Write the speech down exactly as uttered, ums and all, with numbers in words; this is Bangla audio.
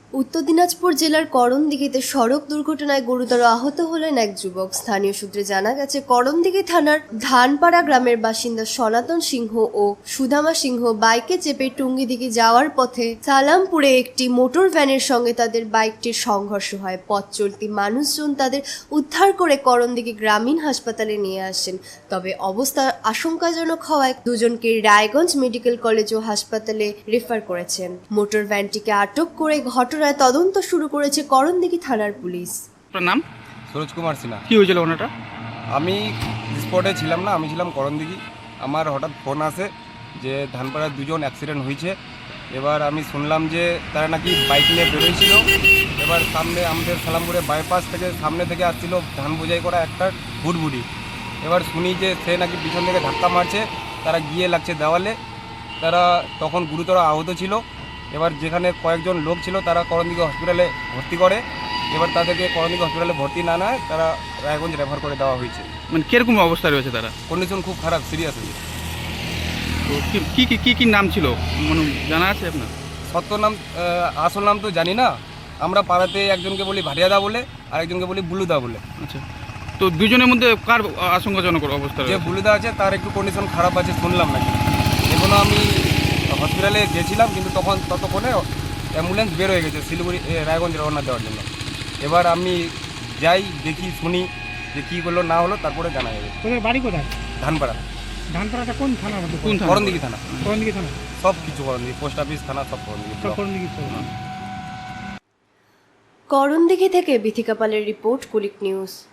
উত্তর দিনাজপুর জেলার করণদিঘিতে সড়ক দুর্ঘটনায় গুরুতর আহত হলেন এক যুবক। স্থানীয় সূত্রে জানা গেছে, করণদিঘি থানার ধানপাড়া গ্রামের বাসিন্দা সনাতন সিংহ ও সুদামা সিংহ বাইকে চেপে টুঙ্গিদিঘি যাওয়ার পথে সালামপুরে একটি মোটর ভ্যানের সঙ্গে তাদের বাইকটির সংঘর্ষ হয়। পথ চলতি মানুষজন তাদের উদ্ধার করে করণদিঘি গ্রামীণ হাসপাতালে নিয়ে আসেন। তবে অবস্থা আশঙ্কাজনক হওয়ায় দুজনকে রায়গঞ্জ মেডিকেল কলেজ ও হাসপাতালে রেফার করেছেন। মোটর ভ্যানটিকে আটক করে ঘটনায় তদন্ত শুরু করেছে করণদিঘি থানার পুলিশ। আপনার নাম? সরোজ কুমার সিনহা। কি হয়েছিল ওনাটা? আমি স্পটে ছিলাম না, আমি ছিলাম করণদিঘি। আমার হঠাৎ ফোন আসে যে ধানপাড়ার দুজন অ্যাক্সিডেন্ট হয়েছে। এবার আমি শুনলাম যে তারা নাকি বাইক নিয়ে বেরোয়ছিল। এবার সামনে আমাদের সালামপুরে বাইপাস থেকে সামনে থেকে আসছিল ধান বোঝাই করা একটা বুটবুটি। এবার শুনি যে সে নাকি পিছন থেকে ধাক্কা মারছে, তারা গিয়ে লাগছে দেওয়ালে। তারা তখন গুরুতর আহত ছিল। এবার যেখানে কয়েকজন লোক ছিল তারা করণদিঘি হসপিটালে ভর্তি করে। এবার তাদেরকে করণদিঘি হসপিটালে ভর্তি না নেয় তারা রায়গঞ্জ রেফার করে দেওয়া হয়েছে। মানে কিরকম অবস্থা রয়েছে তারা? কন্ডিশন খুব খারাপ, সিরিয়াস হয়েছে। তো কি কি কি কি নাম ছিল মানে জানা আছে আপনার? সত্য নাম আহ, আসল নাম তো জানি না। আমরা পাড়াতে একজনকে বলি ভাটিয়াদা বলে, আর একজনকে বলি বুলুদা বলে। আচ্ছা, তো দুজনের মধ্যে কার আশঙ্কাজনক অবস্থা যে রয়েছে? বুলুদা আছে তার একটু কন্ডিশন খারাপ আছে শুনলাম নাকি। এখনও আমি হসপিটালে গেছিলাম, কিন্তু তখন ততক্ষণে অ্যাম্বুলেন্স বের হয়ে গেছে শিলিগুড়ি এ, রায়গঞ্জ রওনা দেওয়ার জন্য। এবার আমি যাই, দেখি, শুনি যে কী হলো না হলো, তারপরে জানা যাবে। তোদের বাড়ি কোথায়? ধানপাড়া, ধানপাড়াটা কোন থানার মধ্যে? কোন থানা? করণদিঘি থানা। করণদিঘি থানা। সব কিছু করণদিঘি, পোস্ট অফিস, থানা, সব করণদিঘি। সব করণদিঘি থানা। করণদিঘি থেকে বিথিকা পালের রিপোর্ট, কুলিক নিউজ।